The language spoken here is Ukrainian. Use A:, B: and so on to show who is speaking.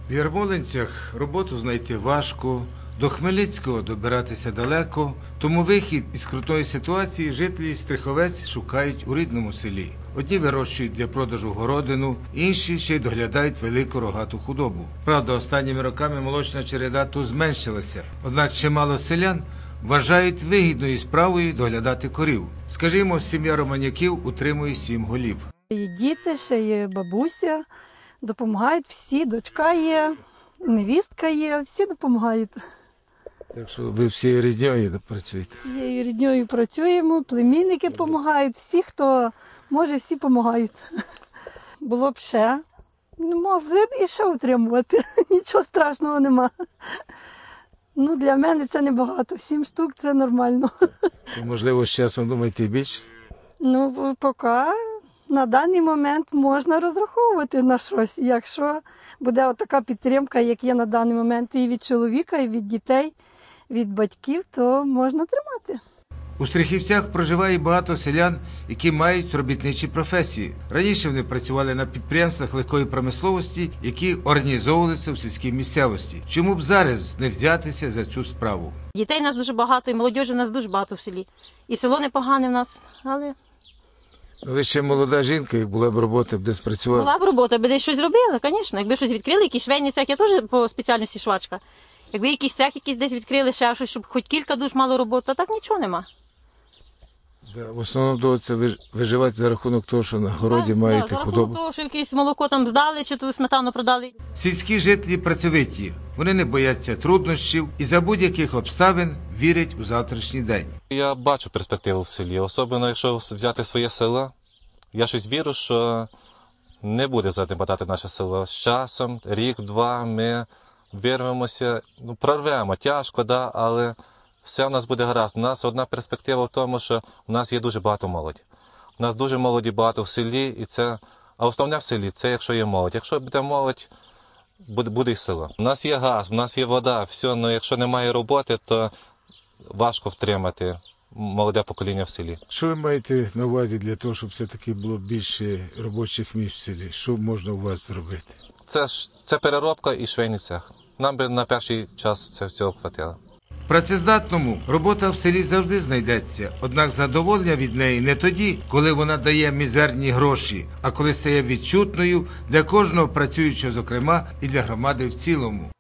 A: В Ярмолинцях роботу знайти важко, до Хмельницького добиратися далеко, тому вихід із крутої ситуації жителі Стриховець шукають у рідному селі. Одні вирощують для продажу городину, інші ще й доглядають велику рогату худобу. Правда, останніми роками молочна череда тут зменшилася, однак чимало селян вважають вигідною справою доглядати корів. Скажімо, сім'я Романюків утримує 7 голів.
B: І діти, ще є бабуся, допомагають всі, дочка є, невістка є, всі допомагають.
A: Так що ви всі рідньою працюєте?
B: Є рідньою працюємо, племінники допомагають, всі, хто може, всі допомагають. Було б ще, могли б і ще утримувати, нічого страшного нема. Ну, для мене це небагато, 7 штук це нормально.
A: Можливо, з часом думаєте більше?
B: Ну, поки на даний момент можна розраховувати на щось, якщо буде така підтримка, як є на даний момент і від чоловіка, і від дітей, від батьків, то можна тримати.
A: У Стрихівцях проживає багато селян, які мають робітничі професії. Раніше вони працювали на підприємствах легкої промисловості, які організовувалися в сільській місцевості. Чому б зараз не взятися за цю справу?
C: Дітей у нас дуже багато, і молодіжі у нас дуже багато в селі. І село непогане в нас, але...
A: Ви ще молода жінка, як була б робота, б десь працювала?
C: Була б робота, би десь щось зробила, звісно. Якби щось відкрили, якийсь швейний цех, я теж по спеціальності швачка. Якби якийсь цех якийсь десь відкрили, ще щось, щоб хоч кілька душ мало роботи, а так нічого нема.
A: В основному доводиться виживати за рахунок того, що на городі маєте
C: за
A: худобу.
C: рахунок того, що якесь молоко там здали, чи ту сметану продали.
A: Сільські жителі працьовиті, вони не бояться труднощів і за будь-яких обставин вірять у завтрашній день.
D: Я бачу перспективу в селі, особливо якщо взяти своє село. Я щось вірю, що не буде занепадати наше село. З часом, рік-два, ми вирвемося, прорвемо, тяжко, да, але все в нас буде гаразд. У нас одна перспектива в тому, що у нас є дуже багато молоді. У нас дуже молоді багато в селі, а основне в селі – це якщо є молодь. Якщо буде молодь, буде і село. У нас є газ, у нас є вода, все, але якщо немає роботи, то важко втримати молоде покоління в селі.
A: Що ви маєте на увазі для того, щоб все-таки було більше робочих місць в селі? Що можна у вас зробити?
D: Це переробка і швейний цех. Нам би на перший час цього хватило.
A: Працездатному робота в селі завжди знайдеться, однак задоволення від неї не тоді, коли вона дає мізерні гроші, а коли стає відчутною для кожного працюючого, зокрема, і для громади в цілому.